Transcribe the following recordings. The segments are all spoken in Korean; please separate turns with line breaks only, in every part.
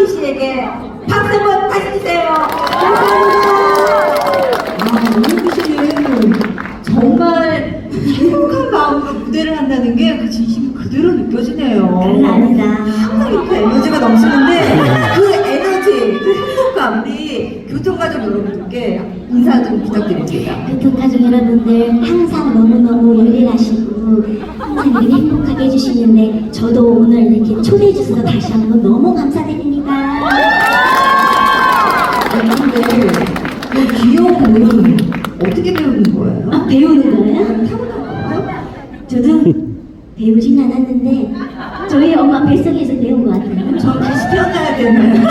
유현미 씨에게 박수 한번 다시 주세요. 감사합니다. 유현미 씨는 정말 행복한 마음으로 무대를 한다는 게 그 진심이 그대로 느껴지네요.
감사합니다.
항상 이렇게 에너지가 넘치는데 그 에너지, 그 행복감 우리 교통가족 여러분들께 인사 좀 부탁드립니다.
교통가족 여러분들 항상 너무너무 열일하시고 항상 이렇게 행복하게 해주시는데 저도 오늘 이렇게 초대해 주셔서 다시 한번 너무 감사드립니다.
근데 그 귀여운 모임 어떻게 배우는 거예요?
아, 배우는 거예요?
타고난
저도 배우진 않았는데 저희 엄마 뱃속에서 배운 것 같아요.
거예요? 저 다시 태어나야 되나요?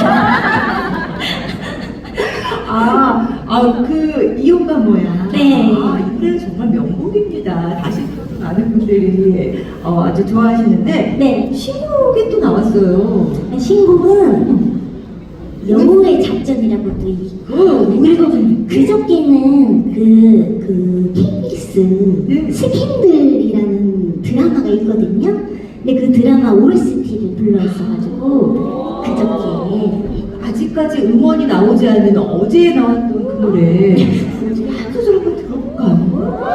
그 이혼가 뭐야?
네.
이 노래 정말 명곡입니다. 다시 또 많은 분들이 아주 좋아하시는데
네.
신곡이 또 나왔어요.
신곡은 영웅의 작전이라고 또 있고 그리고 그저께는 그 KBS
네.
스캔들이라는 드라마가 있거든요. 근데 그 드라마 OST를 불러있어가지고 그저께
아직까지 음원이 나오지 않은 어제 나왔던 그 노래 한 소절 한번 들어볼까요?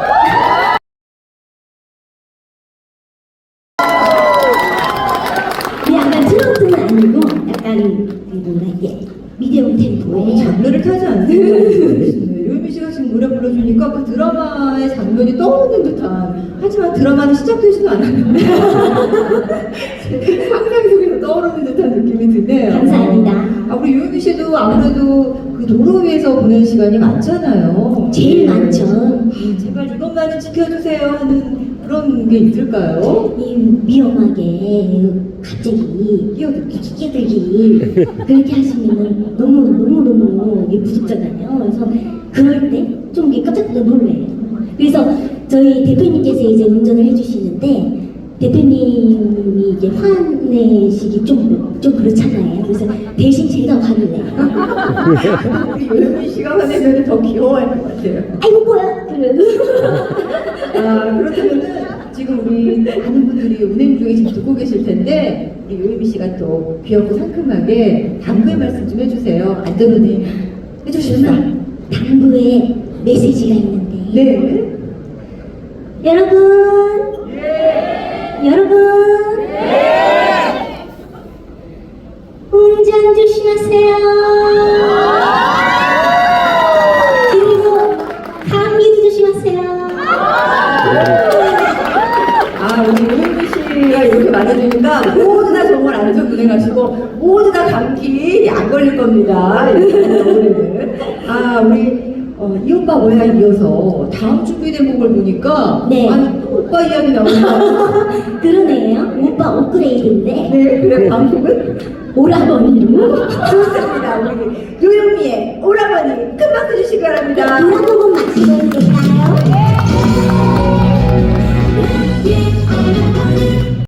약간 트로트는 아니고 약간 그 뭐라 이게 미디엄 템포의
장르를 타지 않습니다. 유미 씨가 지금 노래 불러주니까 그 드라마의 장면이 떠오르는 듯한, 하지만 드라마는 시작되지도 않았는데 상상 속에서 떠오르는 듯한 느낌이 드네요.
감사합니다.
우리 유미 씨도 아무래도 그 도로 위에서 보낸 시간이 많잖아요.
제일 많죠.
제발 이것만은 지켜주세요 하는 그런 게 있을까요?
이 위험하게 갑자기 끼어들기 그렇게 하시면은 너무 무섭잖아요. 그래서 그럴 때 좀 깜짝 놀래요. 그래서 저희 대표님께서 이제 운전을 해주시는데 대표님이 이제 화내시기 좀 그렇잖아요. 그래서 대신 제가 화를 내요.
우리 유미 씨가 화내면 더 귀여워할 것 같아요.
아이고 뭐야? 그래도
그렇다면은 지금 우리 많은 분들이 운행 중에 지금 듣고 계실 텐데 우리 요예미 씨가 또 귀엽고 상큼하게 당부의 말씀 좀 해주세요. 안전운행 해주시면
당부에 메시지가 있는데
네.
여러분 운전 조심하세요. 그리고 감기도 조심하세요.
우리 요예미 씨가 이렇게 말해주니까 모두 다 정말 안전 운행하시고 모두 다 감기 안 걸릴 겁니다. 오늘은 우리 이 오빠 뭐야 이어서 다음 준비된 곡을 보니까
네.
아니 또 오빠 이야기 나오니까
그러네요. 오빠 업그레이드인데
네 그래 다음 곡은
오라버니로
좋습니다. 우리 요요미의 오라버니